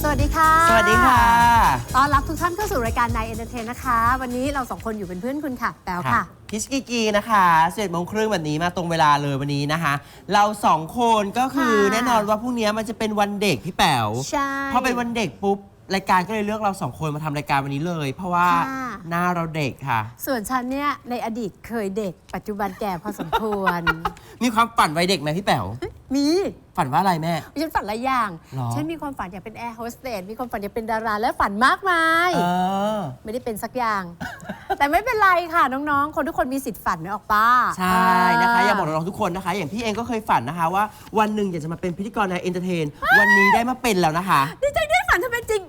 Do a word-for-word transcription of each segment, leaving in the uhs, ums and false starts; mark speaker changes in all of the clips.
Speaker 1: สวัสดีค่ะ
Speaker 2: สวัสดีค่ะ
Speaker 1: ต้อนรับทุกท่านเข้าสู่รายการ Night Entertain นะคะวันนี้เราสองคนอยู่เป็นเพื่อนคุณค่ะแป๋วค่ะ
Speaker 2: พิชกีกีนะคะเจ็ดโมงครึ่งแบบนี้มาตรงเวลาเลยวันนี้นะคะเราสองคนก็คือแน่นอนว่าพรุ่งนี้มันจะเป็นวันเด็กพี่แป๋ว
Speaker 1: ใช่
Speaker 2: พอเป็นวันเด็กปุ๊บรายการก็เลยเลือกเราสองคนมาทำรายการวันนี้เลยเพราะว่าหน้าเราเด็กค่ะ
Speaker 1: ส่วนฉันเนี่ยในอดีตเคยเด็กปัจจุบันแก่พอสมควร
Speaker 2: มีความฝันวัยเด็กไหมพี่แป๋ว
Speaker 1: มี
Speaker 2: ฝันว่าอะไรแม่
Speaker 1: ฉันฝันหลายอย่างฉันมีความฝันอยากเป็นแอร์โฮสเตสมีความฝันอยากเป็นดาราและฝันมากมายไม่ได้เป็นสักอย่าง แต่ไม่เป็นไรค่ะน้องๆคนทุกคนมีสิทธิ์ฝันไม่ออกป้า
Speaker 2: ใช่นะคะอย่าบอกน้องๆทุกคนนะคะอย่างพี่เองก็เคยฝันนะคะว่าวันหนึ่งอยากจะมาเป็นพิธีกรในเอนเตอร์เทนวันนี้ได้มาเป็นแล้วนะคะ
Speaker 1: ดีใจได้ฝันทำเป็นจริง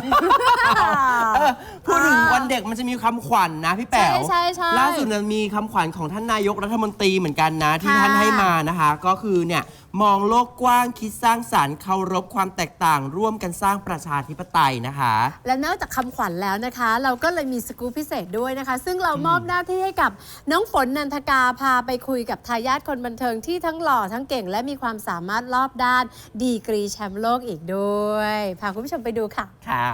Speaker 2: พูดถึงวันเด็กมันจะมีคำขวัญนะพี่แป๋วล่าสุดมีคำขวัญของท่านนายกรัฐมนตรีเหมือนกันนะที่ท่านให้มานะคะก็คือเนี่ยมองโลกกว้างคิดสร้างสรรค์เคารพความแตกต่างร่วมกันสร้างประชาธิปไตยนะคะ
Speaker 1: และนอกจากคำขวัญแล้วนะคะเราก็เลยมีสกู๊ปพิเศษด้วยนะคะซึ่งเรามอบหน้าที่ให้กับน้องฝนนันทกาพาไปคุยกับทายาทคนบันเทิงที่ทั้งหล่อทั้งเก่งและมีความสามารถรอบด้านดีกรีแชมป์โลกอีกด้วยพาคุณผู้ชมไปดูค่ะ
Speaker 2: ค่ะ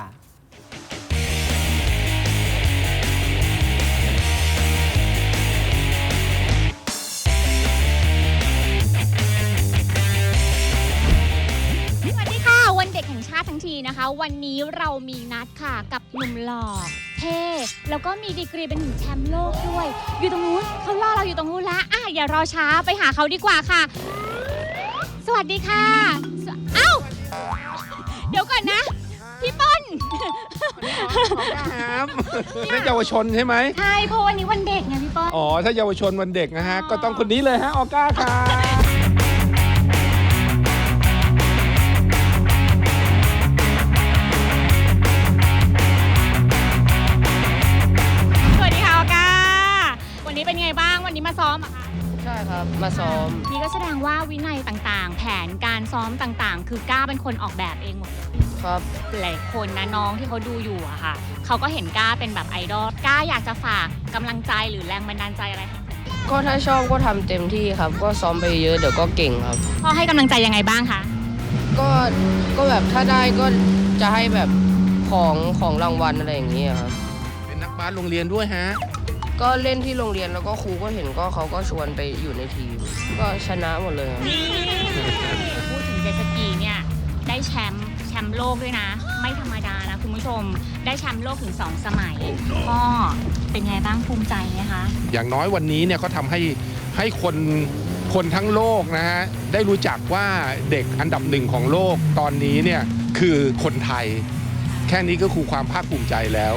Speaker 3: วันเด็กแห่งชาติทั้งทีนะคะวันนี้เรามีนัดค่ะกับหนุ่มหล่อเท่แล้วก็มีดีกรีเป็นถึงแชมป์โลกด้วยอยู่ตรงนู้นเขารอเราอยู่ตรงนู้นแล้วอ่ะอย่ารอช้าไปหาเขาดีกว่าค่ะสวัสดีค่ะเอ้าเดี๋ยวก่อนนะพี่ป้น
Speaker 4: ครับนี่เยาวชนใช่ไหม
Speaker 3: ใช่เพราะวันนี้วันเด็กไงพี่ป้น
Speaker 4: อ๋อถ้าเยาวชนวันเด็กนะฮะก็ต้องคนนี้เลยฮะออก้าค่ะ
Speaker 3: เป็นไงบ้างวันนี้มาซ้อมอะคะ
Speaker 5: ใช่ครับมาซ้อม
Speaker 3: นี่ก็แสดงว่าวินัยต่างๆแผนการซ้อมต่างๆคือก้าเป็นคนออกแบบเองหมดเลย
Speaker 5: ครับ
Speaker 3: หลายคนนะน้องที่เขาดูอยู่อะค่ะเขาก็เห็นก้าเป็นแบบไอดอลก้าอยากจะฝากกำลังใจหรือแรงบันดาลใจอะไรคะ
Speaker 5: ก็ถ้าชอบก็ทำเต็มที่ครับก็ซ้อมไปเยอะเดี๋ยวก็เก่งครับ
Speaker 3: พ่อให้กำลังใจยังไงบ้างคะ
Speaker 5: ก็ก็แบบถ้าได้ก็จะให้แบบของของรางวัลอะไรอย่างเงี้ยครับ
Speaker 4: เป็นนักบาสโรงเรียนด้วยฮะ
Speaker 5: ก็เล่นที่โรงเรียนแล้วก็ครูก็เห็นก็เขาก็ชวนไปอยู่ในทีมก็ชนะหมดเลย
Speaker 3: พูดถึงเจตสกีเนี่ยได้แชมป์แชมป์โลกด้วยนะไม่ธรรมดานะคุณผู้ชมได้แชมป์โลกถึงสองสมัยพ่อเป็นไงบ้างภูมิใจไหมคะ
Speaker 4: อย่างน้อยวันนี้เนี่ยเขาทำให้ให้คนคนทั้งโลกนะฮะได้รู้จักว่าเด็กอันดับหนึ่งของโลกตอนนี้เนี่ยคือคนไทยแค่นี้ก็คือความภาคภูมิใจแล้ว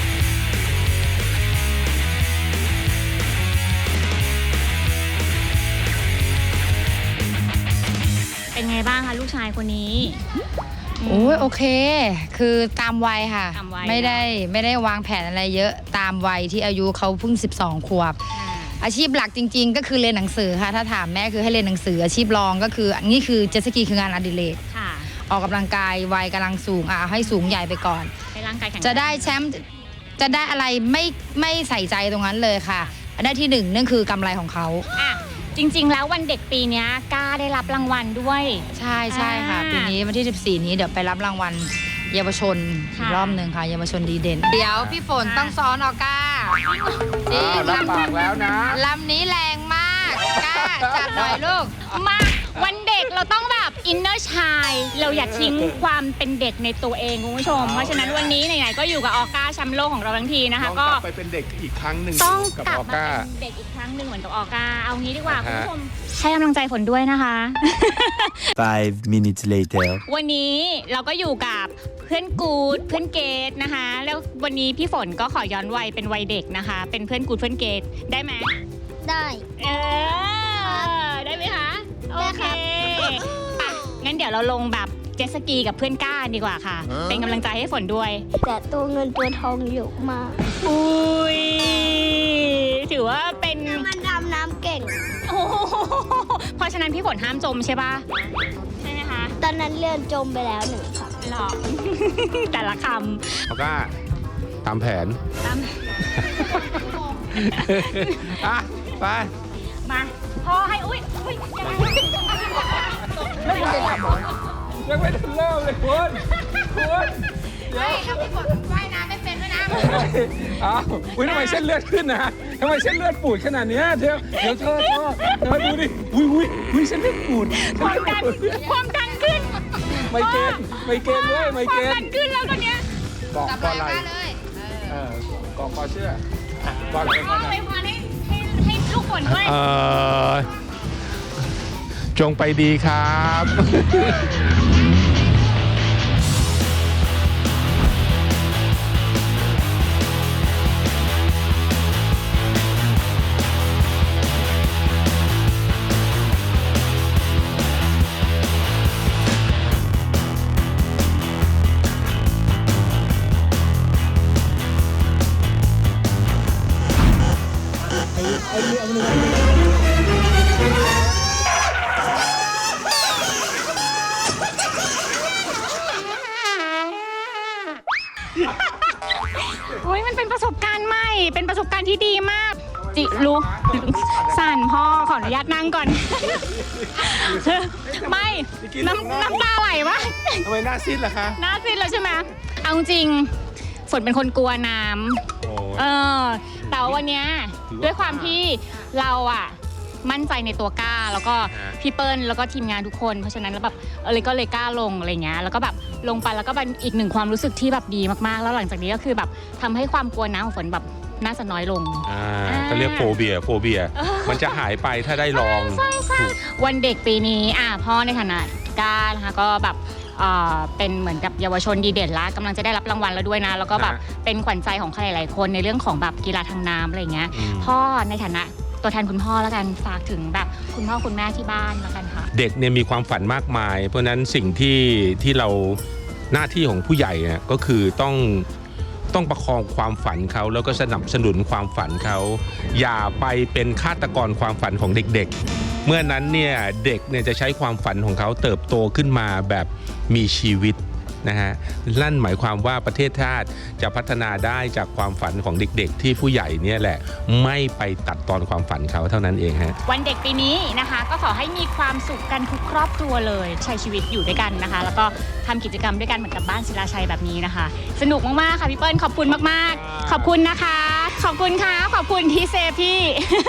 Speaker 3: เป็นไงบ้างคะลูกชายคนนี้
Speaker 6: โอ้ยโอเคคือตามวัยค่ะไม่ได้ไม่ได้วางแผนอะไรเยอะตามวัยที่อายุเขาเพิ่งสิบสองขวบอาชีพหลักจริงๆก็คือเรียนหนังสือค่ะถ้าถามแม่คือให้เรียนหนังสืออาชีพรองก็คือนี่คือเจ็ตสกีคืองานอดิเรกออกกำลังกายวัยกำลังสูงอ่ะให้สูงใหญ่ไปก่อนจะได้แชมป์จะได้อะไรไม่ไม่ใส่ใจตรงนั้นเลยค่ะได้ที่หนึ่งนั่นคือกำไรของเขา
Speaker 3: จริงๆแล้ววันเด็กปีนี้ก้าได้รับรางวัลด้วย
Speaker 6: ใช่ใช่ค่ะปีนี้วันที่สิบสี่นี้เดี๋ยวไปรับรางวัลเยาวชนอีกรอบหนึ่งค่ะเยาวชนดีเด่นเดี๋ยวพี่ฝนต้องซ้อนออก้า
Speaker 4: จริงลำบากแล้วนะ
Speaker 6: ลำนี้แรงมากก้าจัดหน่อยลูก
Speaker 3: มาวันเด็กเราต้องแบบอินเนอร์ชายเราอย่าทิ้งความเป็นเด็กในตัวเองคุณผู้ชมเพราะฉะนั้นวันนี้ไหนๆก็อยู่กับออก้าแชมป์โลกของเราทั้งทีนะคะก็
Speaker 4: ไปเป็นเด็กอีกครั้งหนึ่ง
Speaker 3: ต้องกลับมาเป็นเด็กอีกครั้งหนึ่งเหมือนกับออก้าเอางี้ดีกว่าคุณผู้ชมให้กำลังใจฝนด้วยนะคะ
Speaker 7: five minutes later
Speaker 3: วันนี้เราก็อยู่กับเพื่อนกูดเพื่อนเกดนะคะแล้ววันนี้พี่ฝนก็ขอย้อนวัยเป็นวัยเด็กนะคะเป็นเพื่อนกูดเพื่อนเกดได้ไหม
Speaker 8: ได้
Speaker 3: เออได้ไหมคะโอเคงั้นเดี๋ยวเราลงแบบเจ็ตสกีกับเพื่อนก้าดีกว่าค่ะเป็นกำลังใจให้ฝนด้วย
Speaker 8: แต่ตัวเงินตัวทองเยอะมาก
Speaker 3: อุ้ยถือว่าเป็น
Speaker 8: มันดำน้ำเก่ง
Speaker 3: โอ้เพราะฉะนั้นพี่ฝนห้ามจมใช่ป่ะใช่ไหมคะ
Speaker 8: ตอนนั้นเลื่อนจมไปแล้วหนึ่งครั้ง
Speaker 3: หรอแต่ละคำ
Speaker 4: เขาก็ตามแผน
Speaker 3: ตาม
Speaker 4: อ่ะไป
Speaker 3: มาพ่อให้อุ้ยอุ้ยยังไงไม่ได้ทำ
Speaker 4: ยังไม่ทันเริ่มเลยคุณคุณเดี๋ยว
Speaker 6: ถ้าพี่ฝนว่ายน้ำไม่เป็นด้วยนะ
Speaker 4: อ้าวอุ้ยทำไมเส้นเลือดขึ้นนะทำไมเส้นเลือดปูดขนาดเนี้ยเดี๋ยวเดี๋ยวเธอเธอเธอดูดิอุ้ยอุ้ยอุ้ยเส้นเลือดปูด
Speaker 3: ความดันความดันขึ้น
Speaker 4: ไมเกรนไมเกรนด้วยไม
Speaker 3: ค
Speaker 4: เก
Speaker 3: วาม
Speaker 4: ร
Speaker 3: ดั
Speaker 4: น
Speaker 3: นขึ้นแล้วตอนเนี้ย
Speaker 4: กอกกอไหล
Speaker 6: เลย
Speaker 4: เออกอกกอเชื่ออ่ะกอไหล
Speaker 3: ก็ไปพรให้ให้ให้ลูกฝนด้วย
Speaker 4: เออจงไปดีครับ
Speaker 3: โอ้ยมันเป็นประสบการณ์ใหม่ เป็นประสบการณ์ที่ดีมาก จิรู้สั่นพ่อขออนุญาตนั่งก่อน ไม่น้ำน้ำตาไหลวะ
Speaker 4: ทำไมหน้าซีดล่ะคะ
Speaker 3: หน้าซีดแล้วใช่ไหมเอาจริงฝนเป็นคนกลัวน้ำ
Speaker 4: โอ้
Speaker 3: เออแต่ว่าวันเนี้ยด้วยความที่เราอะมั่นใจในตัวกล้า แล้วก็พี่เปิ้ลแล้วก็ทีมงานทุกคนเพราะฉะนั้นแล้วแบบเออเลยก็เลยกล้าลงอะไรเงี้ยแล้วก็แบบลงไปแล้วก็เป็นอีกหนึ่งความรู้สึกที่แบบดีมากๆแล้วหลังจากนี้ก็คือแบบทำให้ความกลัวน้ำของฝนแบบน่าจะน้อยลง
Speaker 4: อ่าเขาเรียกโฟเบียโฟเบีย มันจะหายไปถ้าได้ลอง
Speaker 3: ใช่ใช่วันเด็กปีนี้อ่ะพ่อในฐานะกล้านะคะก็แบบเอ่อเป็นเหมือนกับเยาวชนดีเด่นละกำลังจะได้รับรางวัลแล้วด้วยนะแล้วก็แบบเป็นขวัญใจของใครหลายๆคนในเรื่องของแบบกีฬาทางน้ำอะไรเงี้ย
Speaker 4: อืม
Speaker 3: พ่อในฐานะตัวแทนคุณพ่อแล้วกันฝากถึงแบบคุณพ่อคุณแม่ที่บ้านแล้วกันค่ะ
Speaker 4: เด็กเนี่ยมีความฝันมากมาย เพราะฉะนั้นสิ่งที่ที่เราหน้าที่ของผู้ใหญ่เนี่ยก็คือต้องต้องประคองความฝันเขาแล้วก็สนับสนุนความฝันเขาอย่าไปเป็นฆาตกรความฝันของเด็กๆ เมื่อนั้นเนี่ยเด็กเนี่ยจะใช้ความฝันของเขาเติบโตขึ้นมาแบบมีชีวิตนะฮะนั่นหมายความว่าประเทศชาติจะพัฒนาได้จากความฝันของเด็กๆ ที่ผู้ใหญ่เนี่ยแหละไม่ไปตัดตอนความฝันเขาเท่านั้นเองฮะ
Speaker 3: วันเด็กปีนี้นะคะก็ขอให้มีความสุขกันทุกครอบครัวเลยใช้ชีวิตอยู่ด้วยกันนะคะ แล้วก็ทำกิจกรรมด้วยกันเหมือนกับบ้านศิลาชัยแบบนี้นะคะ สนุกมากๆค่ะพี่เปิ้ลขอบคุณมากๆ ขอบคุณนะคะ ขอบคุณค่ะขอบคุณที่เซฟพี่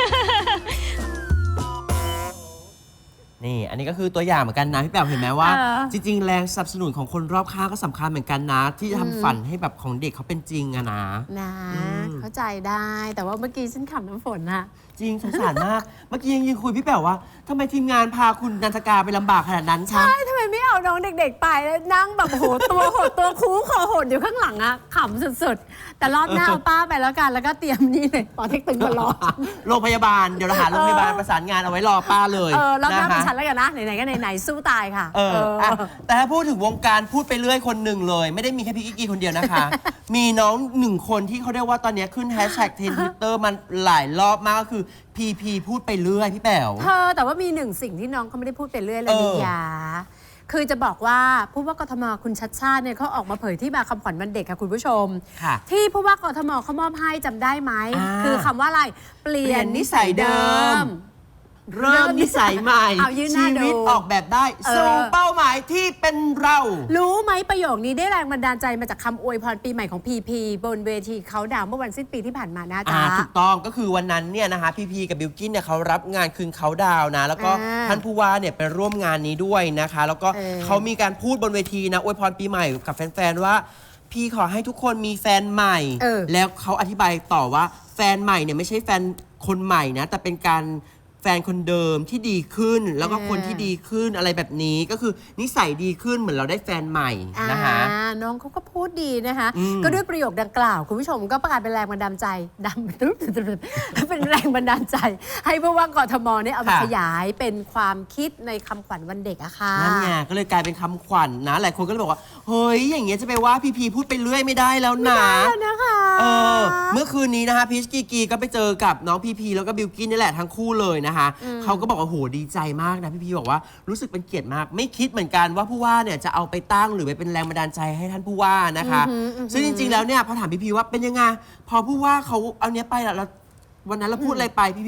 Speaker 2: นี่ อันนี้ก็คือตัวอย่างเหมือนกันนะพี่แป๋วเห็นไหมว่า
Speaker 1: เออ
Speaker 2: จริง ๆ แรงสนับสนุนของคนรอบข้างก็สำคัญเหมือนกันนะ ที่จะ
Speaker 1: อืม
Speaker 2: ทำฝันให้แบบของเด็กเขาเป็นจริงอะนะ
Speaker 1: นะ
Speaker 2: อืม
Speaker 1: เข้าใจได้แต่ว่าเมื่อกี้ฉันขำน้ำฝนอะ
Speaker 2: จริงสงสารมาก เมื่อกี้ยังยืนคุยพี่แป๋วว่าทำไมทีมงานพาคุณนันทกาไปลำบากขนาดนั้นคะ
Speaker 1: ใช่ทำไมไม่เอาน้องเด็กๆไปแล้วนั่งแบบโหตัวหดตัวคูคอหดอยู่ข้างหลังอะขำสุดๆ แต่รอบหน้าเอาป้าไปแล้วกันแล้วก็เตรียมนี่เลยปอเต็กตึงมารอ
Speaker 2: โรงพยาบาลเดี๋ยวเราหาโรงพยาบาลประสานงานเอาไว้รอป้าเลย
Speaker 1: เออรอบหน้า
Speaker 2: ะ
Speaker 1: เป็น
Speaker 2: คะ
Speaker 1: ฉันแล้วกันนะไหนๆก็ไหนๆสู้ตายค่ะ
Speaker 2: เอออะแต่ถ้าพูดถึงวงการพูดไปเรื่อยคนหนึ่งเลย ไม่ได้มีแค่พี่กิ๊กกี้คนเดียวนะคะ มีน้องหนึ่งคนที่เขาเรียกว่าตอนนี้ขึ้นแฮชแท็กเทรนด์ทวิตเตอร์มันหลายรอบมากก็คือพีพีพูดไปเรื่อยพี่แป๋ว
Speaker 1: เธอแต่ว่ามีหนึ่งสิ่งที่น้องเขาไม่ได้พูดไปเรื่อยเลย
Speaker 2: เออ
Speaker 1: นิยาคือจะบอกว่าผู้ว่ากทมคุณชัดชาติเนี่ยเขาออกมาเผยที่มาคำขวัญวันเด็กค่ะคุณผู้ชม
Speaker 2: ค่ะ
Speaker 1: ที่ผู้ว่ากทมเขามอบให้จำได้ไหม
Speaker 2: อ่า
Speaker 1: คือคำว่าอะไรเปลี่ยน
Speaker 2: เปลี่ยนนิ
Speaker 1: นิ
Speaker 2: สั
Speaker 1: สั
Speaker 2: ย
Speaker 1: ย
Speaker 2: เดิ
Speaker 1: เดิ
Speaker 2: ม
Speaker 1: ม
Speaker 2: เริ่มนิสัยใหม่
Speaker 1: เอายื่นหน้า
Speaker 2: ชีวิต
Speaker 1: ดู
Speaker 2: ออกแบบได้
Speaker 1: เออ
Speaker 2: สู่เป้าหมายที่เป็นเรา
Speaker 1: รู้ไหมประโยคนี้ได้แรงบันดาลใจมาจากคำอวยพรปีใหม่ของพีพีบนเวทีเขาดาวน์เมื่อวันสิ้นปีที่ผ่านมานะ
Speaker 2: อ่า
Speaker 1: จ๊ะ
Speaker 2: ถูกต้องก็คือวันนั้นเนี่ยนะคะพีพีกับบิลกิ้นเนี่ยเขารับงานคืนเขาดาวน์นะ แล้วก็
Speaker 1: อ่า
Speaker 2: ท่านผู้ว่าเนี่ยไปร่วมงานนี้ด้วยนะคะ แล้วก็
Speaker 1: เออ
Speaker 2: เขามีการพูดบนเวทีนะอวยพรปีใหม่กับแฟนๆว่า พี่ขอให้ทุกคนมีแฟนใหม่
Speaker 1: เออ
Speaker 2: แล้วเขาอธิบายต่อว่าแฟนใหม่เนี่ยไม่ใช่แฟนคนใหม่นะแต่เป็นการแฟนคนเดิมที่ดีขึ้น แล้วก็คนที่ดีขึ้นอะไรแบบนี้ก็คือนิสัยดีขึ้นเหมือนเราได้แฟนใหม่นะคะ
Speaker 1: อ่าน้องเขาก็พูดดีนะคะ
Speaker 2: อืม
Speaker 1: ก็ด้วยประโยคดังกล่าว คุณผู้ชมก็ประกาศเป็นแรงบันดาลใจดำ เป็นแรงบันดาลใจ ให้ผู้ว่ากทมเนี่ยเอามาขยายเป็นความคิดในคำขวัญวันเด็กอะค่ะ
Speaker 2: นั่นไงก็เลยกลายเป็นคำขวัญนะ หลายคนก็เลยบอกว่า เฮ้ย อย่างเงี้ยจะไปว่าพีพีพูดไปเรื่อยไม่ได้แล้วนะ
Speaker 1: นะคะ
Speaker 2: เออเมื่อคืนนี้นะคะพีชกีกีก็ไปเจอกับน้องพีพีแล้วก็บิลกินนี่แหละทั้งคู่เลยนะคะเขาก็บอกว่าโหดีใจมากนะพีพีบอกว่ารู้สึกเป็นเกียรติมาก ไม่คิดเหมือนกันว่าผู้ว่าเนี่ยจะเอาไปตั้งหรือไปเป็นแรงบันดาลใจให้ท่านผู้ว่านะคะ
Speaker 1: อือหืออือหือ
Speaker 2: ซึ่งจริงๆแล้วเนี่ยพอถามพีพีว่าเป็นยังไงพอผู้ว่าเขาเอาเนี้ยไปแล้วแล้ววันนั้นเราพูดอะไรไปพีพีบอก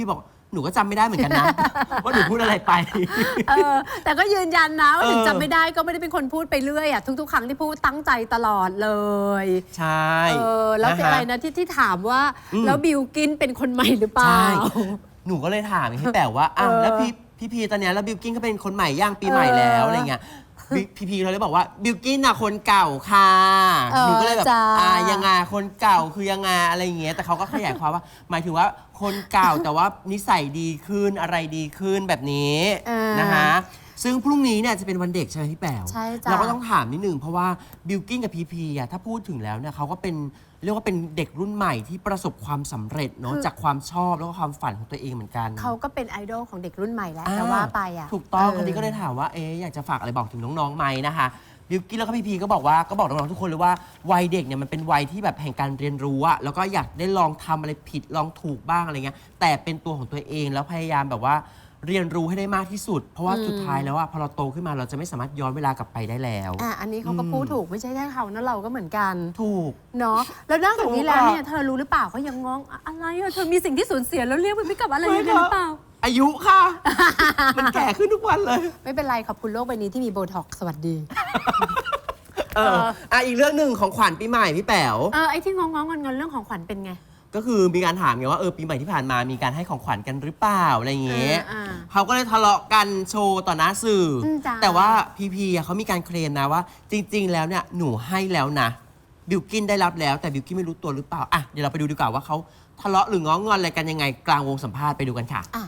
Speaker 2: หนูก็จำไม่ได้เหมือนกันนะ ว่าหนูพูดอะไรไป
Speaker 1: เออแต่ก็ยืนยันนะว่า
Speaker 2: เออ
Speaker 1: ถึงจำไม่ได้ก็ไม่ได้เป็นคนพูดไปเรื่อยอ่ะทุกๆ ครั้งที่พูดตั้งใจตลอดเลย
Speaker 2: ใช่
Speaker 1: เออแล้ว
Speaker 2: นฮ
Speaker 1: อะไรนะที่ที่ถามว่า
Speaker 2: อืม
Speaker 1: แล้วบิลกินเป็นคนใหม่หรือเปล่า
Speaker 2: ใช่หนูก็เลยถามพี่แป๋วว่าอ่ะ
Speaker 1: เออ
Speaker 2: แล้วพี่พี่พีตอนเนี้ยแล้วบิลกิ้นเขาเป็นคนใหม่ย่างปีใหม่แล้ว
Speaker 1: เอออ
Speaker 2: อะไรเงี้ยพี่พี่พีเขาเลยบอกว่าบิลกิ้นน่ะคนเก่าค่ะ
Speaker 1: เออ
Speaker 2: หนูก็เลยแบบ
Speaker 1: จ้า
Speaker 2: อ่ายังไงคนเก่าคือยังไงอะไรเงี้ยแต่เขาก็ขยายความว่า หมายถึงว่าคนเก่าแต่ว่านิสัยดีขึ้นอะไรดีขึ้นแบบนี้
Speaker 1: เออ
Speaker 2: นะคะซึ่งพรุ่งนี้เนี่ยจะเป็นวันเด็กใช่ไหมพี่แป๋ว
Speaker 1: ใช่จ้ะ
Speaker 2: เราก็ต้องถามนิดนึงเพราะว่าบิลกิ้นกับพีพีอ่ะถ้าพูดถึงแล้วเนี่ยเขาก็เป็นเรียกว่าเป็นเด็กรุ่นใหม่ที่ประสบความสำเร็จเนาะจากความชอบแล้วก็ความฝันของตัวเองเหมือนกัน
Speaker 1: เขาก็เป็นไอดอลของเด็กรุ่นใหม่แล้ว
Speaker 2: อ่
Speaker 1: แต่ว่าไปอ่ะ
Speaker 2: ถูกต้อง
Speaker 1: เ
Speaker 2: คนนี้ก็เลยถามว่าเอ๊ะอยากจะฝากอะไรบอกถึงน้องๆไหมนะคะบิวกิ้นแล้วก็พี่พีก็บอกว่าก็บอกน้องๆทุกคนเลยว่าวัยเด็กเนี่ยมันเป็นวัยที่แบบแห่งการเรียนรู้อะแล้วก็อยากได้ลองทำอะไรผิดลองถูกบ้างอะไรเงี้ยแต่เป็นตัวของตัวเองแล้วพยายามแบบว่าเรียนรู้ให้ได้มากที่สุด เพราะว่า
Speaker 1: อืม
Speaker 2: สุดท้ายแล้วอะพอเราโตขึ้นมาเราจะไม่สามารถย้อนเวลากลับไปได้แล้ว
Speaker 1: อ่ะอันนี้เขาก็
Speaker 2: อืม
Speaker 1: พูดถูกไม่ใช่แค่เขานะเราก็เหมือนกัน
Speaker 2: ถูก
Speaker 1: เนาะแล้วนอกจากนี้แล้ว
Speaker 2: ถูกอะ
Speaker 1: เนี่ยเธอรู้หรือเปล่าเขายังงงอะอะไรอะเธอมีสิ่งที่สูญเสียแล้วเรียกมันไม่กลับอะไรยังไงหรือเปล่า
Speaker 2: อายุค่ะ มันแก่ขึ้นทุกวันเลย
Speaker 1: ไม่เป็นไรขอบคุณโลกใบนี้ที่มีโบท็อกซ์สวัสดี
Speaker 2: เอออ่ะอีกเรื่องหนึ่งของขวัญปีใหม่พี่แป๋ว
Speaker 1: เออไอ้ที่งงงๆงอนๆเรื่องของขวัญเป็นไง
Speaker 2: ก็คือมีการถามไงว่าเออปีใหม่ที่ผ่านมามีการให้ของขวัญกันหรือเปล่าอะไรอย่างเงี้ย
Speaker 1: อ่าอ่า
Speaker 2: เขาก็เลยทะเลาะกันโชว์ต่อหน้าสื่ออ
Speaker 1: มจ้า
Speaker 2: แต่ว่าพีพีอ่ะเขามีการเคลมนะว่า จริง ๆ แล้วเนี่ยหนูให้แล้วนะบิวกินได้รับแล้วแต่บิวกินไม่รู้ตัวหรือเปล่าอ่ะเดี๋ยวเราไปดูดีกว่าว่าเขาทะเลาะหรือง้องอนอะไรกันยังไงกลางวงสัมภาษณ์ไปดูกันค่ะ
Speaker 1: อ่ะ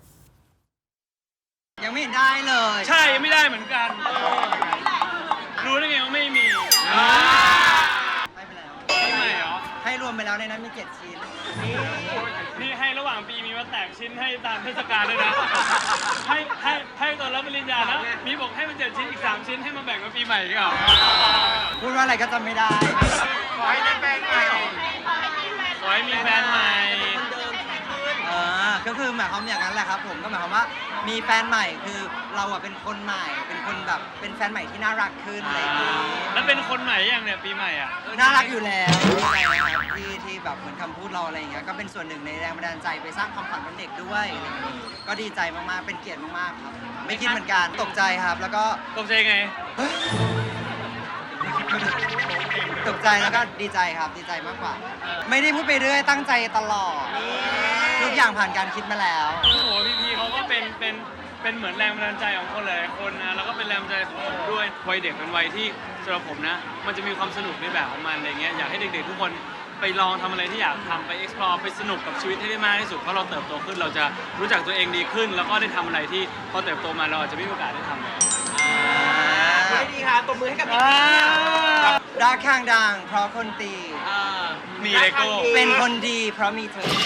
Speaker 9: ยังไม่เห็นได้เลย
Speaker 10: ใช่ไม่ได้เหมือนกัน รู้ได้ไงว่าไม่มี
Speaker 9: ให้ไปแล้ว
Speaker 10: ปีใหม่เหรอ
Speaker 9: ให้รวมไปแล้วในนั้นมีเจ็ดชิ้น
Speaker 10: นี่ให้ระหว่างปีมีมาแตกชิ้นให้ตามเทศกาลด้วยนะ ให้ให้ให้ตอนรับปริญญานะมีบอกให้มันเจ็ดชิ้นอีกสามชิ้นให้มาแบ่งกับปีใหม่อีกเหรอ
Speaker 9: พูดว่าอะไรก็จำไม่ได้
Speaker 10: ขอให้ได้แฟนใหม่ขอให้มีแฟนใหม่
Speaker 9: เออก็คือหมายความอย่างนั้นแหละครับผมก็หมายความว่ามีแฟนใหม่คือเราอะเป็นคนใหม่ เป็นคนแบบเป็นแฟนใหม่ที่น่ารักขึ้นอะไรอย่างนี้
Speaker 10: แล้วเป็นคนใหม่ยังเนี่ยปีใหม่อ่ะ
Speaker 9: น่ารักอยู่แล้วดีใจนะครับที่ที่แบบเหมือนคำพูดเราอะไรอย่างเงี้ยก็เป็นส่วนหนึ่งในแรงบันดาลใจไปสร้างความฝันวันเด็กด้วยอะไรอย่างงี้ก็ดีใจมากๆเป็นเกียรติมากๆครับ ไม่คิดเหมือนกันตกใจครับแล้วก็
Speaker 10: ตกใจไง
Speaker 9: ตกใจแล้วก็ดีใจครับดีใจมากกว่า ไม่ได้พูดไปเรื่อยตั้งใจตลอดทุกอย่างผ่านการคิดมาแล้ว
Speaker 10: โอ้โหพี่พีเขาก็เป็นเป็นเป็นเหมือนแรงบันดาลใจของคนหลายๆคนนะแล้วก็เป็นแรงบันดาลใจของผมด้วยวัยเด็กเป็นวัยที่สำหรับผมนะ มันจะมีความสนุกในแบบของมันอะไรเงี้ยอยากให้เด็กๆทุกคนไปลองทำอะไรที่อยากทำไป explore ไปสนุกกับชีวิตให้ได้มากที่สุดเพราะเราเติบโตขึ้นเราจะรู้จักตัวเองดีขึ้น แล้วก็ได้ทำอะไรที่พอเติบโตมาเราอาจจะไม่มีโอกาสได้ทำเลย
Speaker 2: ไม่ดีค่ะตบมือให้กับพี่
Speaker 9: รักข้างดังเพราะคนตี
Speaker 10: มีเลโก้
Speaker 9: เป็นคนดีเพราะมีเธอ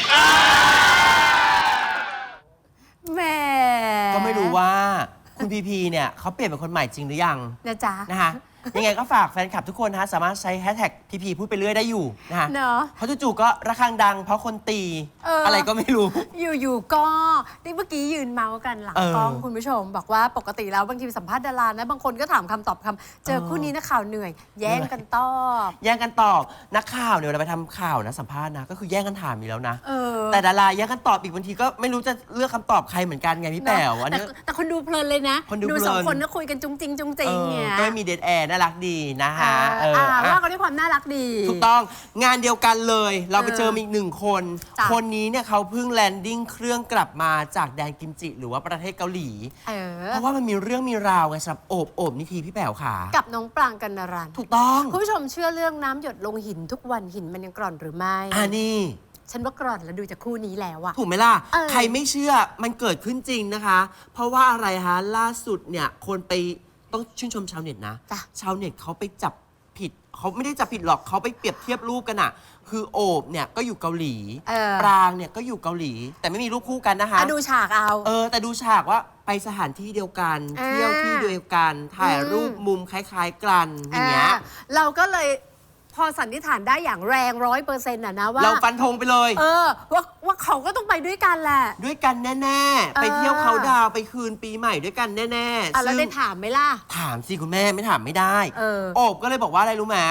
Speaker 1: แหม
Speaker 2: ก็ไม่รู้ว่าคุณพีพีเนี่ยเขาเปลี่ยนเป็นคนใหม่จริงหรือยัง
Speaker 1: นะจ๊ะ
Speaker 2: นะคะยังไงก็ฝากแฟนคลับทุกคนนะฮะสามารถใช้แฮชแท็กพีพีพูดไปเรื่อยได้อยู่นะคะ
Speaker 1: เนอะ
Speaker 2: เพราะจู่ๆก็ระฆังดังเพราะคนตี
Speaker 1: เอออ
Speaker 2: อะไรก็ไม่รู้
Speaker 1: อยู่ๆก็นี่เมื่อกี้ยืนเมาส์กันหลัง
Speaker 2: เออก
Speaker 1: ล้องคุณผู้ชม บอกว่าปกติแล้วบางทีสัมภาษณ์ดารานะบางคนก็ถามคำตอบคำเจอ
Speaker 2: เออ
Speaker 1: คู่นี้นักข่าวเหนื่อย แย่งกันตอบ
Speaker 2: แย่งกันตอบนักข่าวเนี่ยเวลาไปทำข่าวนะสัมภาษณ์นะก็คือแย่งกันถามอยู่แล้วนะ
Speaker 1: เออ
Speaker 2: แต่ดาราแย่งกันตอบอีกบางทีก็ไม่รู้จะเลือกคำตอบใครเหมือนกันไงพี่แป๋วอัน
Speaker 1: แต่
Speaker 2: นี้
Speaker 1: แต่คนดูเพลินเลยนะ
Speaker 2: คนดูเพลิน
Speaker 1: สองคนก็คุยกันจุ้งจริงจุ้งจริง
Speaker 2: เออ
Speaker 1: เนี่ย
Speaker 2: ก็ไม่มีเดทแอร์น่ารักดีนะฮะ
Speaker 1: เออ
Speaker 2: เออ
Speaker 1: อ่า
Speaker 2: อ่ะ
Speaker 1: ว่ากันด้วยความน่ารักดี
Speaker 2: ถูกต้องงานเดียวกันเลย เราไปเจอ
Speaker 1: เออ
Speaker 2: อีกหนึ่งคน
Speaker 1: จ้ะ
Speaker 2: คนนี้เนี่ยเขาเพิ่งแลนดิ้งเครื่องกลับมาจากแดนกิมจิ หรือว่าประเทศเกาหลี
Speaker 1: เออ
Speaker 2: เพราะว่ามันมีเรื่องมีราวไงสำหรับโอบโอบนิธีพี่แป๋วขา
Speaker 1: กับน้องปรางกันนารัน
Speaker 2: ถูกต้อง
Speaker 1: คุณผู้ชมเชื่อเรื่องน้ำหยดลงหินทุกวันหินมันยังกร่อนหรือไม่
Speaker 2: อ่านี่
Speaker 1: ฉันว่ากร่อนแล้วดูจากคู่นี้แล้วอะ
Speaker 2: ถูกไหมล่ะ
Speaker 1: เออ
Speaker 2: ใครไม่เชื่อมันเกิดขึ้นจริงนะคะ เพราะว่าอะไรฮะ ล่าสุดเนี่ย คนไปต้องชื่นชมชาวเน็ตนะ
Speaker 1: จ้ะ
Speaker 2: ชาวเน็ตเขาไปจับผิด เขาไม่ได้จับผิดหรอกเขาไปเปรียบเทียบรูปกันอะคือโอบเนี่ยก็อยู่เกาหลี
Speaker 1: เออ
Speaker 2: ปรางเนี่ยก็อยู่เกาหลี แต่ไม่มีรูปคู่กันนะคะ
Speaker 1: อ่ะดูฉากเอา
Speaker 2: เออ แต่ดูฉากว่าไปสถานที่เดียวกัน
Speaker 1: อ่า
Speaker 2: เที่ยวที่เดียวกัน ถ่ายรูป
Speaker 1: อืม
Speaker 2: มุมคล้าย ๆ กันอย่างเงี้ย
Speaker 1: อ่าเราก็เลยพอสันนิษฐานได้อย่างแรงร้อยเปอร์เซ็นต์อะนะว่า
Speaker 2: เราฟันธงไปเลย
Speaker 1: เออว่าว่าเขาก็ต้องไปด้วยกันแหละ
Speaker 2: ด้วยกันแน่ๆ ไป
Speaker 1: เออ
Speaker 2: เที่ยวเขาดาวน์ไปคืนปีใหม่ด้วยกันแน่ๆ
Speaker 1: อ่ะแล้ว
Speaker 2: ซึ่ง
Speaker 1: ได้ถามไหมล่ะ
Speaker 2: ถามสิคุณแม่ไม่ถามไม่ได้
Speaker 1: เออ
Speaker 2: โอบก็เลยบอกว่าอะไรรู้ไหม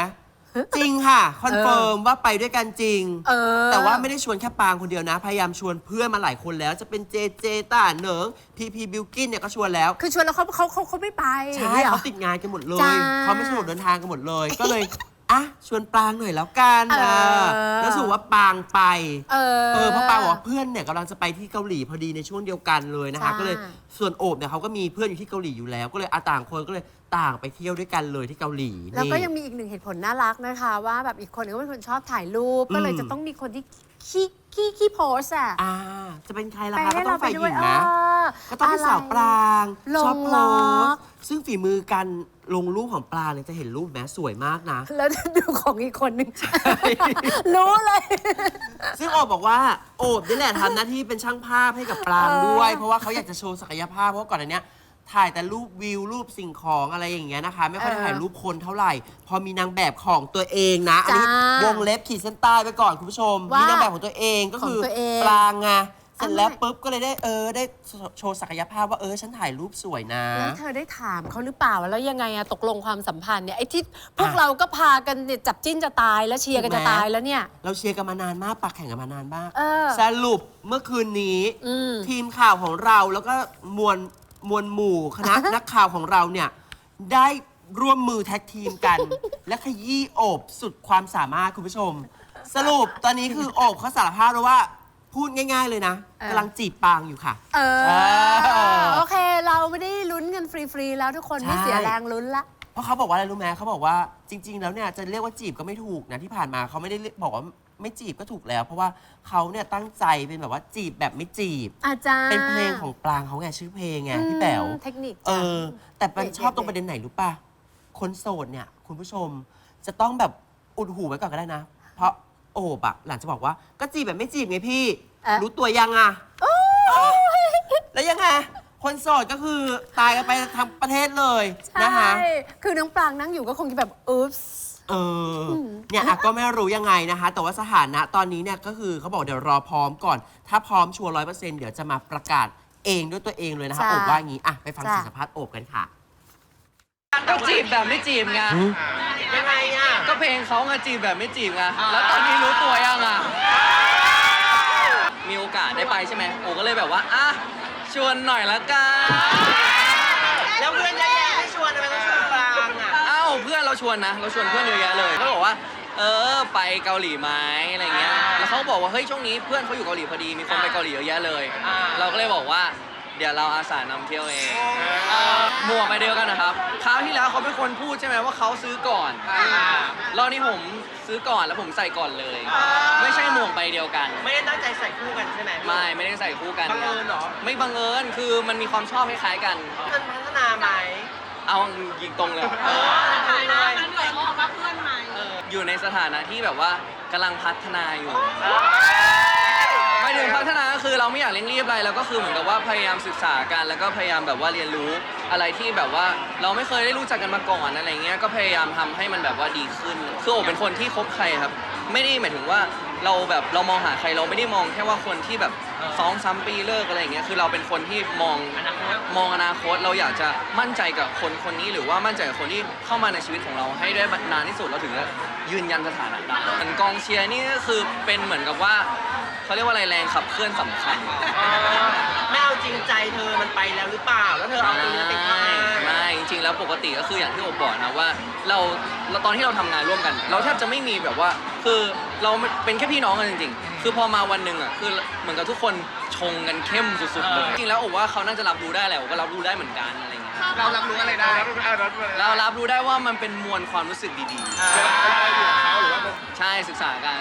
Speaker 2: จริงค่ะคอนเฟิร์มว่าไปด้วยกันจริง
Speaker 1: เออ
Speaker 2: แต่ว่าไม่ได้ชวนแค่ปางคนเดียวนะ พยายามชวนเพื่อนมาหลายคนแล้วจะเป็นเจเจต้าเหนิงพีพีบิลกินเนี่ยก็ชวนแล้ว
Speaker 1: คือชวนแล้วเขาเขาเขาเขาไม่ไป
Speaker 2: ใช่
Speaker 1: หรอ
Speaker 2: เขาติดงานกันหมดเล
Speaker 1: จ้า
Speaker 2: ยเขาไม่สะดวกเดินทางกันหมดเลย ก็เลยอ่ะชวนปางหน่อยแล้วกัน
Speaker 1: เออ
Speaker 2: เออแล้วสรุปว่าปางไป
Speaker 1: เออ
Speaker 2: เออเพราะปางบอกว่าเพื่อนเนี่ยกำลังจะไปที่เกาหลีพอดีในช่วงเดียวกันเลยนะคะ
Speaker 1: จ้า
Speaker 2: ก็เลยส่วนโอบเนี่ยเขาก็มีเพื่อนอยู่ที่เกาหลีอยู่แล้ว ก็เลยอาต่างคนก็เลยต่างไปเที่ยวด้วยกันเลยที่เกาหลี
Speaker 1: แล้วก็
Speaker 2: นี่
Speaker 1: ยังมีอีกหนึ่งเหตุผลน่ารักนะคะ ว่าแบบอีกคนนึงก็เป็นคนชอบถ่ายรูป ก็เลย
Speaker 2: อืม
Speaker 1: จะต้องมีคนที่ขี้ขี้ขี้โพสอะ
Speaker 2: อ่าจะเป็นใครล่ะ
Speaker 1: ไป
Speaker 2: คะก็
Speaker 1: ให้
Speaker 2: ต้อ
Speaker 1: เรา
Speaker 2: ง
Speaker 1: ไป
Speaker 2: ฝ่ายห
Speaker 1: ด้ว
Speaker 2: ญิ
Speaker 1: ย
Speaker 2: งนะ
Speaker 1: เออ
Speaker 2: ก็ต้องเป็นสาวปราง
Speaker 1: ลง
Speaker 2: ชอบโพ
Speaker 1: ล็อ
Speaker 2: ส
Speaker 1: ก
Speaker 2: ต์ซึ่งฝีมือการลงรูปของปลางเนี่ยจะเห็นรูปแม้สวยมากนะ
Speaker 1: แล้วดูของอีกคนนึง รู้เลย
Speaker 2: ซึ่งโอบบอกว่าโอบนี่แหละทำหน้าที่เป็นช่างภาพให้กับปราง
Speaker 1: เออ
Speaker 2: ด้วย เพราะว่าเขาอยากจะโชว์ศักยภาพเพราะว่าก่อนอันเนี้ยถ่ายแต่รูปวิวรูปสิ่งของอะไรอย่างเงี้ยนะคะ ไม่ค่อยได้ถ่ายรูปคนเท่าไหร่ พอมีนางแบบของตัวเองนะอันนี้
Speaker 1: จ้าว
Speaker 2: งเล็บขีดเส้นใต้ไปก่อนคุณผู้ชม
Speaker 1: ว่ามี
Speaker 2: มีนางแบบของตัวเองก็คือ
Speaker 1: ของตัวเอง
Speaker 2: ปรางไงเสร็จแล้ว
Speaker 1: อะไร
Speaker 2: ปุ๊บก็เลยได้เออได้โชว์ศักยภาพว่าเออฉันถ่ายรูปสวยนะ
Speaker 1: แล้วเธอได้ถามเขาหรือเปล่าแล้วยังไงอะตกลงความสัมพันธ์เนี่ยไอ้ที่พวก
Speaker 2: อ่ะ
Speaker 1: เราก็พากันเนี่ยจับจิ้นจะตายแล้วเชียร์กัน
Speaker 2: ถู
Speaker 1: จะ
Speaker 2: กไหม
Speaker 1: ตายแล้วเนี่ย
Speaker 2: เราเชียร์กันมานานมากปักแข่งกันมานานมาก
Speaker 1: เออ
Speaker 2: สรุปเมื่อคืนนี้
Speaker 1: อืม
Speaker 2: ทีมข่าวของเราแล้วก็มวลมวลหมู่คณะ นักข่าวของเราเนี่ยได้ร่วมมือแท็กทีมกัน และขยี้โอบสุดความสามารถคุณผู้ชม สรุปตอนนี้คือโอบเขาสารภาพแล้วว่าพูดง่าย ๆเลยนะ
Speaker 1: เออ
Speaker 2: กำลังจีบปางอยู่ค่ะ
Speaker 1: เออ
Speaker 2: เออ
Speaker 1: โอเค เราไม่ได้ลุ้นกันฟรี ๆ แล้วทุกคน
Speaker 2: ใช่
Speaker 1: ไม่เสียแรงลุ้นละ
Speaker 2: เพราะเขาบอกว่าอะไรรู้ไหมเขาบอกว่าจริง ๆ แล้วเนี่ยจะเรียกว่าจีบก็ไม่ถูกนะที่ผ่านมาเขาไม่ได้เรียกบอกว่าไม่จีบก็ถูกแล้ว เพราะว่าเขาเนี่ยตั้งใจเป็นแบบว่าจีบแบบไม่จีบ
Speaker 1: อาจารย์
Speaker 2: เป็นเพลงของปรางเขาไงชื่อเพลงไงพี่แป๋ว
Speaker 1: เทคนิค
Speaker 2: เอ
Speaker 1: จ้ะ
Speaker 2: อ แต่มัน
Speaker 1: เด็ดๆ
Speaker 2: ชอบตรงประเด็นไหนรู้ป่ะ คนโสดเนี่ย คุณผู้ชมจะต้องแบบอุดหูไว้ก่อนก็ได้นะ เพราะโอบอะหลังจะบอกว่าก็จีบแบบไม่จีบไงพี่
Speaker 1: เอ๊ะ
Speaker 2: รู้ตัวยังอะแล้วยังไง คนโสดก็คือตายกันไปทั้งประเทศเลยนะคะ
Speaker 1: ใช่ คือน้องปรางนั่งอยู่ก็คงจะแบบอุ๊ปส์
Speaker 2: เออ เนี่ยอ่ะก็ไม่รู้ยังไงนะคะ แต่ว่าสถานะตอนนี้เนี่ยก็คือเขาบอกเดี๋ยวรอพร้อมก่อน ถ้าพร้อมชัวร์ร้อยเปอร์เซ็นต์เดี๋ยวจะมาประกาศเองด้วยตัวเองเลยนะคะ
Speaker 1: จ้ะ
Speaker 2: โอบว่าอย่างนี้อ่ะไปฟัง
Speaker 1: จ้ะ
Speaker 2: เสียงสัมภาษณ์โอบกันค่ะ
Speaker 11: ก็จีบแบบไม่จีบไง
Speaker 2: ยังไงอ่ะ
Speaker 11: ก็เพลงเขาไงจีบแบบไม่จีบไง แล้วตอนนี้รู้ตัวยังอ่ะ มีโอกาสได้ไปใช่ไหมโอ้ก็เลยแบบว่า อ่ะ ชวนหน่อยละกัน
Speaker 2: แล้วเพื่อนเยอะแยะไม่ชวนทำไมต้องชวนปรางอ่ะ
Speaker 11: เอ้าเพื่อนเราชวนนะ เราชวนเพื่อนเยอะแยะเลยเขาบอกว่า เออ ไปเกาหลีไหมอะไรเงี้ย แล้วเขาบอกว่า เฮ้ย ช่วงนี้เพื่อนเขาอยู่เกาหลีพอดี มีคนไปเกาหลีเยอะแยะเลย
Speaker 2: อ่า
Speaker 11: เราก็เลยบอกว่า เดี๋ยวเราอาสานำเที่ยวเองหมวกไปเดียวกันนะครับ คราวที่แล้วเขาเป็นคนพูดใช่ไหมว่าเขาซื้อก่อนรอบนี้ผมซื้อก่อนแล้วผมใส่ก่อนเลย ไม่ใช่หมวกใบเดียวกัน
Speaker 2: ไม่ได้ตั้งใจใส่คู่กันใช่ไหม
Speaker 11: ไม่ ไม่ได้ใส่คู่กัน
Speaker 2: บังเอิญเหรอ
Speaker 11: ไม่บังเอิญ คือมันมีความชอบคล้ายๆกัน
Speaker 2: มันพัฒนาไหม
Speaker 11: เอายิงตรงเลย
Speaker 2: ทำเลย
Speaker 11: อยู่ในสถานะที่แบบว่ากำลังพัฒนาอยู่ ไม่ถึงพัฒนาก็คือเราไม่อยากเร่งรีบอะไรเราก็คือเหมือนกับว่าพยายามศึกษากันแล้วก็พยายามแบบว่าเรียนรู้อะไรที่แบบว่าเราไม่เคยได้รู้จักกันมาก่อนอะไรเงี้ยก็พยายามทำให้มันแบบว่าดีขึ้นคือโอเป็นคนที่คบใครครับ ไม่ได้หมายถึงว่าเราแบบเรามองหาใครเราไม่ได้มองแค่ว่าคนที่แบบสองสามปีเลิกอะไรอย่างเงี้ยคือเราเป็นคนที่มองมองอนาคตเราอยากจะมั่นใจกับคนคนนี้หรือว่ามั่นใจกับคนที่เข้ามาในชีวิตของเราให้ได้นานที่สุดเราถึงจะยืนยันสถานะได้เหมือนกองเชียร์นี่ก็คือเป็นเหมือนกับว่าเขาเรียกว่าอะไรแรงขับเคลื่อนสำคัญ
Speaker 2: ไม่เอาจริงใจเธอมันไปแล้วหรือเปล่า แล้วเธอเอาตรงนี้ไปทำไม
Speaker 11: ไม่จริงๆแล้วปกติก็คืออย่างที่โอบบอกนะว่าเราเราตอนที่เราทำงานร่วมกัน เราแทบจะไม่มีแบบว่าคือเราเป็นแค่พี่น้องกันจริงๆคือพอมาวันหนึ่งอ่ะคือเหมือนกับทุกคนชงกันเข้มสุดๆเลยจริงๆแล้วโอบว่าเขาน่าจะรับรู้ได้แหละโอบก็รับรู้ได้เหมือนกันอะไรเงี้ย
Speaker 4: เรารับรู้อะไรได้
Speaker 11: เรารับรู้ได้ว่ามันเป็นมวลความรู้สึกดีๆใช่ศึกษากัน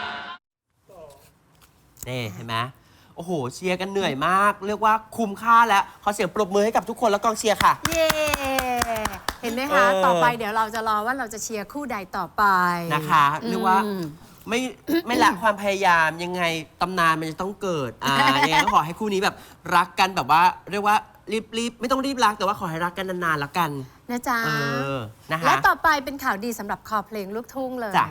Speaker 2: นี่เห็นไหมโอ้โหเชียร์กันเหนื่อยมาก เรียกว่าคุ้มค่าแล้วขอเสียงปรบมือให้กับทุกคนและกองเชียร์ค่ะ
Speaker 1: เย้ เห็นไหมคะ
Speaker 2: เออ
Speaker 1: ต่อไปเดี๋ยวเราจะรอว่าเราจะเชียร์คู่ใดต่อไป
Speaker 2: นะคะเรียกว่า
Speaker 1: อืม
Speaker 2: ไม่ไม่ละความพยายามยังไงตำนานมันจะต้องเกิดอ่ายังไงก็ขอให้คู่นี้แบบรักกันแบบว่า เรียกว่ารีบๆไม่ต้องรีบรักแต่ว่าขอให้รักกันนานๆแล้วกัน
Speaker 1: นะจ๊ะ
Speaker 2: เออนะคะ
Speaker 1: และต่อไปเป็นข่าวดีสำหรับคอเพลงลูกทุ่งเลย
Speaker 2: จ้ะ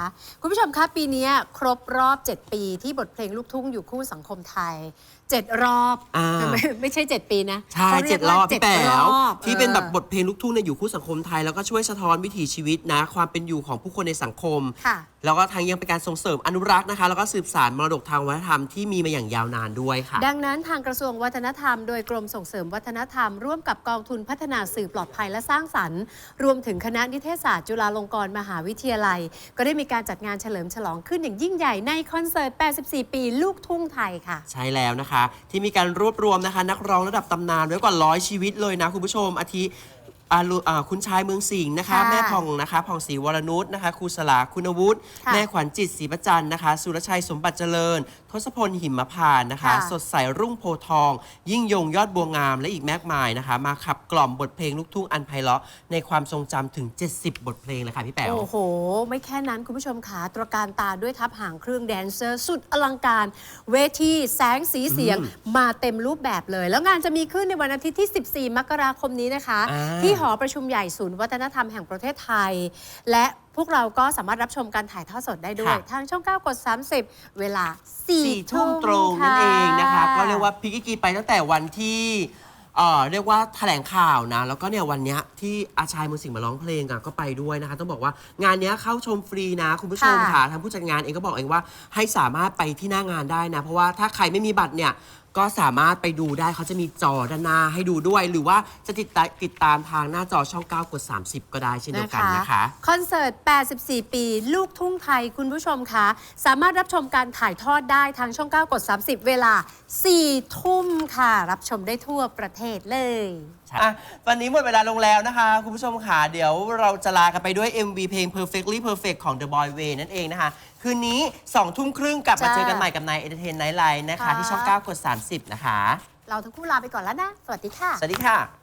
Speaker 2: อ่า
Speaker 1: ไม่ไม่ใช่ เจ็ด ปีนะ
Speaker 2: ใช่
Speaker 1: ขารี
Speaker 2: เจ็
Speaker 1: ย
Speaker 2: ด
Speaker 1: ก
Speaker 2: ร
Speaker 1: ว่า
Speaker 2: อบพี่แป๋
Speaker 1: เจ็ด
Speaker 2: ว
Speaker 1: รอบ
Speaker 2: ที่เป็นแบบ
Speaker 1: ออ
Speaker 2: บทเพลงลูกทุ่งเนี่ยอยู่คู่สังคมไทยแล้วก็ช่วยสะท้อนวิถีชีวิตนะ ความเป็นอยู่ของผู้คนในสังคม
Speaker 1: ค่ะ
Speaker 2: แล้วก็ทางยังเป็นการส่งเสริมอนุรักษ์นะคะ แล้วก็สืบสานมรดกทางวัฒนธรรมที่มีมาอย่างยาวนานด้วยค่ะ
Speaker 1: ดังนั้นทางกระทรวงวัฒนธรรมโดยกรมส่งเสริมวัฒนธรรม ร่วมกับกองทุนพัฒนาสื่อปลอดภัยและสร้างสรรค์ รวมถึงคณะนิเทศศาสตร์จุฬาลงกรณ์มหาวิทยาลัย ก็ได้มีการจัดงานเฉลิมฉลองขึ้นอย่างยิ่งใหญ่ในคอนเสิร์ต แปดสิบสี่ ปีลูกทุ่งไทยค่ะ
Speaker 2: ใช่แล้วนะคะ ที่มีการรวบรวมนะคะ นักร้องระดับตำนานไว้กว่าร้อยชีวิตเลยนะคุณผู้ชมอาทิอารุอ่าคุณชายเมืองสิงห์นะคะ
Speaker 1: ค่ะ
Speaker 2: แม่ผ่องนะคะผ่องศรีวรนุชนะคะครูสลาคุณวุฒิ
Speaker 1: ค่ะ
Speaker 2: แม่ขวัญจิตศรีประจันทร์นะคะ สุรชัยสมบัติเจริญ ทศพลหิมพานต์นะคะ
Speaker 1: ค่ะ
Speaker 2: สดใสรุ่งโพธิ์ทอง ยิ่งยงยอดบัวงามและอีกมากมายนะคะ มาขับกล่อมบทเพลงลูกทุ่งอันไพเราะในความทรงจำถึง เจ็ดสิบ บทเพลงเลยค่ะพี่แป๋ว
Speaker 1: โอ้โห ไม่แค่นั้นคุณผู้ชมขาตระการตาด้วยทัพหางเครื่องแดนเซอร์ สุดอลังการ เวทีแสงสีเสียงมาเต็มรูปแบบเลย แล้วงานจะมีขึ้นในวันอาทิตย์ที่ สิบสี่ มกราคมนี้นะคะ
Speaker 2: อ่า
Speaker 1: ที่หอประชุมใหญ่ศูนย์วัฒนธรรมแห่งประเทศไทย และพวกเราก็สามารถรับชมการถ่ายทอดสดได้ด้วย ทางช่อง เก้า กด สามสิบ เวลา สี่
Speaker 2: สี่
Speaker 1: ทุ่
Speaker 2: ทุ่
Speaker 1: ม
Speaker 2: มตรงนั่นเองนะคะ ก็เรียก
Speaker 1: ว่า
Speaker 2: ว่าพิกกีไปตั้งแต่วันที่เอ่อเรียกว่าแถลงข่าวนะ แล้วก็เนี่ยวันเนี้ยที่อาชายมือสิงห์มาร้องเพลงอ่ะก็ไปด้วยนะคะ ต้องบอกว่างานเนี้ยเข้าชมฟรีนะคุณผู้ชม
Speaker 1: ค่ะ
Speaker 2: ค่ะทางผู้จัดงานเองก็บอกเองว่าให้สามารถไปที่หน้างานได้นะ เพราะว่าถ้าใครไม่มีบัตรเนี่ยก็สามารถไปดูได้เขาจะมีจอด้านหน้าให้ดูด้วย หรือว่าจะติดตามติดตามทางหน้าจอช่อง เก้า กด สามสิบ ก็ได้เช่นเดียวกันนะคะ
Speaker 1: คอนเสิร์ต แปดสิบสี่ ปี ลูกทุ่งไทยคุณผู้ชมคะ สามารถรับชมการถ่ายทอดได้ทางช่อง เก้า กด สามสิบ เวลา สี่ ทุ่มค่ะ รับชมได้ทั่วประเทศเลย
Speaker 2: อ่ะวันนี้หมดเวลาลงแล้วนะคะ คุณผู้ชมค่ะเดี๋ยวเราจะลากันไปด้วย เอ็ม วี เพลง Perfectly Perfect ของ The Boy Way นั่นเองนะคะ คืนนี้สองทุ่มครึ่งกลับมา
Speaker 1: จ้า
Speaker 2: เจอกันใหม่กับนาย Entertain Night Live นะคะ
Speaker 1: ค่ะ
Speaker 2: ที่ช่อง เก้า กด สามสิบ นะคะ
Speaker 1: เราทั้งคู่ลาไปก่อนแล้วนะ สวัสดีค่ะ
Speaker 2: สวัสดีค่ะ